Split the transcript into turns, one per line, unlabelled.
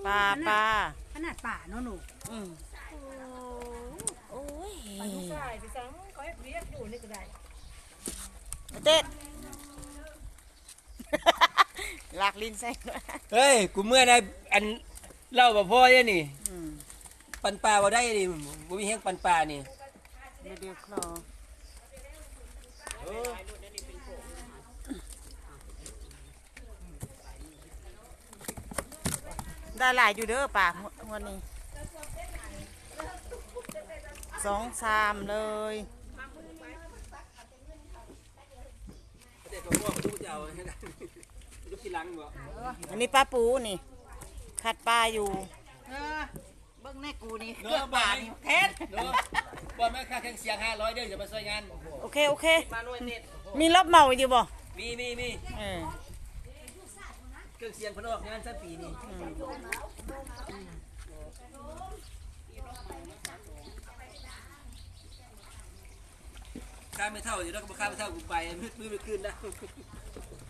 ปลาปลา
ขนาดป่าเนาะหนู
อืมโอ้ย
ไปลูกชายไปสั่งเขาให้เรียกอยู่นี่ก็ได้
เด็ดลากลิ้นใส่
เฮ้ยกูเมื่อได้อันเล่าบ่พ่อเนี่ยนี่ปันปลาบ่ได้นี่บ่มีแห้งปันปลานี่
เดี๋ยวคลอได้หลายอยู่เด้อป่าวันนี้2-3เลย
เด็กบ่พ่อกูจะเอาให้ได้ลูกที่หลังบ่
อันนี้ปลาปูนี่ขัดปลาอยู่
เบิ้งแน่กูนี่
เนาะบ่นี่แท้เนาะบ่แม่ค่าเครื่องเสียง500เด้อจะมาช่วยงาน
โอเคโอเค
มาหน่วยเน็ต
มีรอบเมาอยู่บ่
มีเครื่องเสียงเพิ่นออกงานซะปีนี้ค่าไม่เท่าอยู่แล้วก็บ่ค่าไม่เท่ากูไปมืดคืนนะ